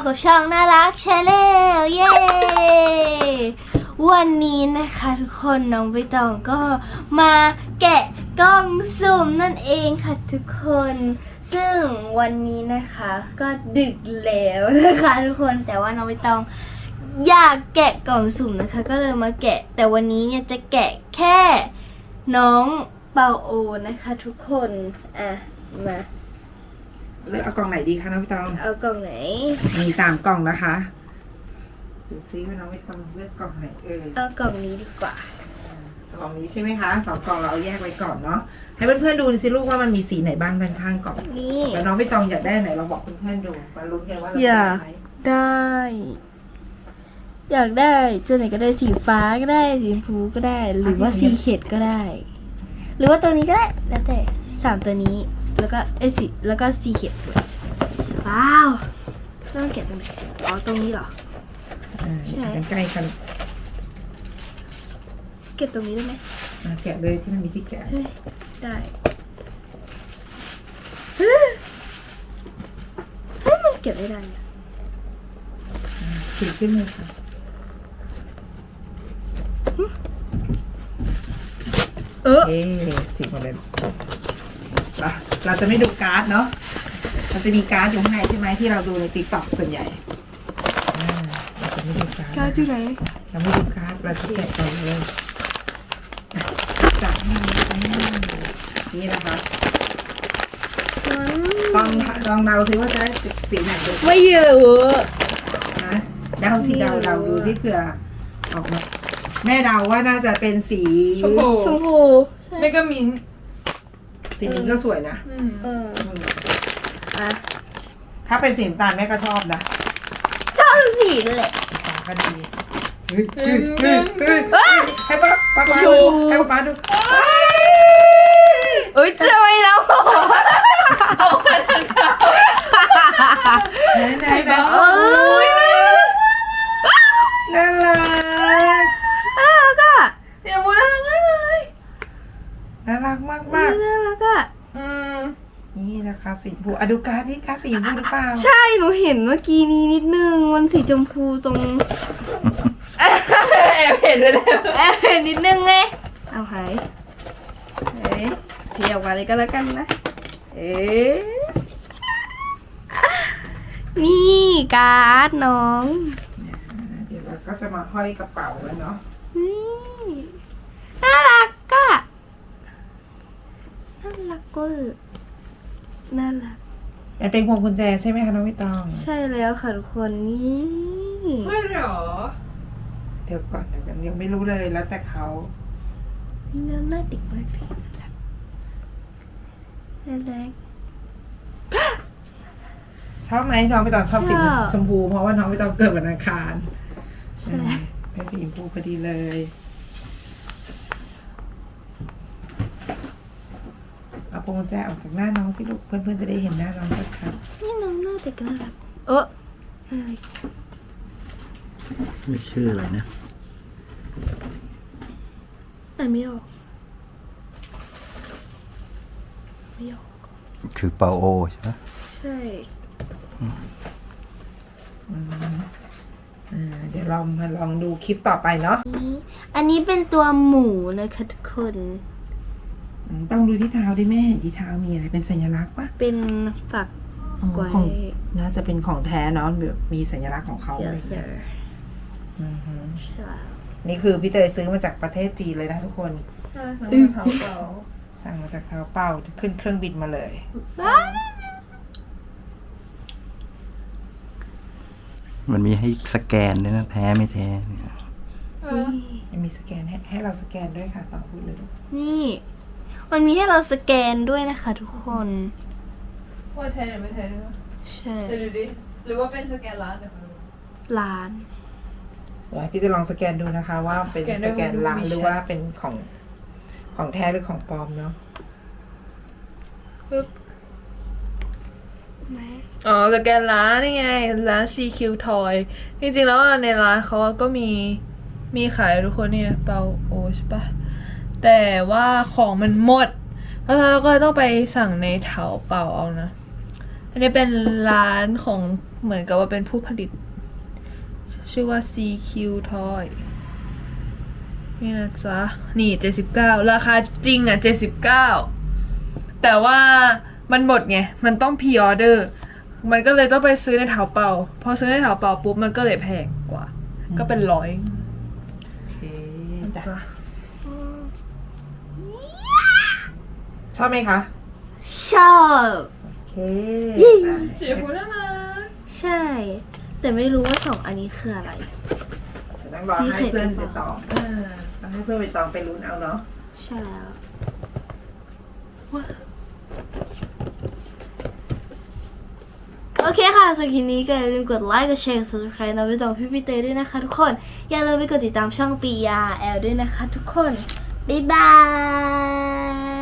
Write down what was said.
กับช่องน่ารักชาแนลเย้วันนี้นะคะทุกคนน้องใบตองก็มาแกะกล่องสุ่มนั่นเองค่ะทุกคนซึ่งวันนี้นะคะก็ดึกแล้วนะคะทุกคนแต่ว่าน้องใบตองอยากแกะกล่องสุ่มนะคะก็เลยมาแกะแต่วันนี้เนี่ยจะแกะแค่น้องเปาโอนะคะทุกคนมาเลือกเอากล่องไหนดีคะน้องพี่ตองเอากล่องไหนมี3 กล่องนะคะดูซิว่าน้องพี่ตองเลือกกล่องไหนเอากล่องนี้ดีกว่ากล่องนี้ใช่ไหมคะ2 กล่องเราเอาแยกไว้ก่อนเนาะให้เพื่อนๆดูสิลูกว่ามันมีสีไหนบ้างด้านข้างกล่องนี่แล้วน้องพี่ตองอยากได้ไหนเราบอกเพื่อนๆดูมาลุ้นกันว่าเราอยากได้อยากได้ตัวไหนก็ได้สีฟ้าก็ได้สีชมพูก็ได้หรือว่าสีเขียวก็ได้ หรือว่าตัวนี้ก็ได้แล้วแต่3ตัวนี้แล้วก็สีแล้วก็สีเขียวว้าวต้องแกะตรงไหนอ๋อตรงนี้เหรอใช่กันใกล้กันเก็บตรงนี้ได้ไหมแกะเลยที่มันมีที่แกะได้เฮ้ยมันเก็บไม่ได้ฉีกขึ้นเลยค่ะฉีกมาเลยเราจะไม่ดูการ์ดเนาะเราจะมีการ์ดอยู่ข้างในใช่ไหมที่เราดูในTikTokส่วนใหญ่เราจะไม่ดูการ์ดอยู่ไหนเราไม่ดูการ์ดเราจะแกะก่อนเลยจับนี่นะคะลองเดาซิว่าจะได้สีไหนดูไม่เยอะนะเดาสิเดาดูที่เผื่อออกมาแม่เดาว่าน่าจะเป็นสีชมพูไม่ก็มิ้นสีนี้ก็สวยนะถ้าเป็นสีน้ำตาลแม่ก็ชอบนะชอบสีนั่นแหละก็ดีให้ป้าดูให้ป้าดูเอ้ยทำไมเราเอาไปทางเขาไหนน่ารักก็เดี๋ยวมูน่ารักเลยน่ารักมากน่ารักอ่ะนี่นะคะสีชมพูอะดูการ์ดที่การ์ดสีชมพูหรือเปล่าใช่หนูเห็นเมื่อกี้นี้นิดนึงมันสีชมพูตรงแอบเห็นเลยเห็นนิดนึงไงเอาหายเทียบมาเลยก็แล้วกันนะนี่การ์ดน้องเดี๋ยวเราก็จะมาห้อยกระเป๋าแล้วเนาะนี่น่ารักก็น่ารักมันเป็นพวงกุญแจใช่ไหมคะน้องพี่ตองใช่แล้วค่ะทุกคนนี่ไม่หรอเดี๋ยวก่อนยังไม่รู้เลยแล้วแต่เขานี่น่าติดมากเลยน่ารักชอบไหมน้องพี่ตองชอบสีชมพูเพราะว่าน้องพี่ตองเกิดวันอังคารใช่เป็นสีชมพูพอดีเลยเอาพวงกุญแจออกจากหน้าน้องสิลูกเพื่อนๆจะได้เห็นหน้าน้องชัดๆนี่น้องหน้าเด็กน่ารักไม่ชื่ออะไรนะไม่ออกคือเปาโอใช่ไหมใช่เดี๋ยวเรามาลองดูคลิปต่อไปเนาะอันนี้เป็นตัวหมูนะคะทุกคนต้องดูที่เท้าด้วยแม่ที่เท้ามีอะไรเป็นสัญลักษณ์ปะเป็นฝักไว้น่าจะเป็นของแท้เนาะแบบมีสัญลักษณ์ของเขาอะไรอย่างเงี้ยใช่นี่คือพี่เตยซื้อมาจากประเทศจีนเลยนะทุกคนสั่งมาจากเท้าเปล่าขึ้นเครื่องบินมาเลยมันมีให้สแกนด้วยนะแท้ไม่แท้เนี่ยมีสแกนให้เราสแกนด้วยค่ะต้องพูดเลยนี่มันมีให้เราสแกนด้วยนะคะทุกคนว่าแท้หรือไม่แท้ใช่เดี๋ยวดูดิหรือว่าเป็นสแกนร้านเดี๋ยวร้านพี่จะลองสแกนดูนะคะว่าเป็นสแกนร้านหรือว่าเป็นของแท้หรือของปลอมเนาะปึ๊บอ๋อสแกนร้านนี่ไงร้าน CQ Toy จริงๆแล้วในร้านเขาก็มีขายทุกคนเนี่ยเปาโอใช่ปะแต่ว่าของมันหมดเพราะฉะนั้นเราก็ต้องไปสั่งในเถาเป่าเอานะอันนี้เป็นร้านของเหมือนกับว่าเป็นผู้ผลิต ชื่อว่า CQ Toy นี่นะจ๊ะ นี่ 79 ราคาจริงอ่ะ 79 แต่ว่ามันหมดไง มันต้องพรีออเดอร์ มันก็เลยต้องไปซื้อในเถาเป่า พอซื้อในเถาเป่าปุ๊บ มันก็เลยแพงกว่า ก็เป็น100 โอเคจ้ะชอบไหมคะชอบโอเคเจ๋พูดแล้วนะใช่ แต่ไม่รู้ว่าสองอันนี้คืออะไรจะต้องรอให้เพื่อนไปตองต้องให้เพื่อนไปตองไปลุ้นเอาเนาะใช่แล้วโอเคค่ะสำหรับคลิปนี้ก็อย่าลืมกดไลค์ กดแชร์ กด subscribe นะไปต่อพี่เตยด้วยนะคะทุกคน อย่าลืมไปกดติดตามช่องปียาแอลด้วยนะคะทุกคน บ๊ายบาย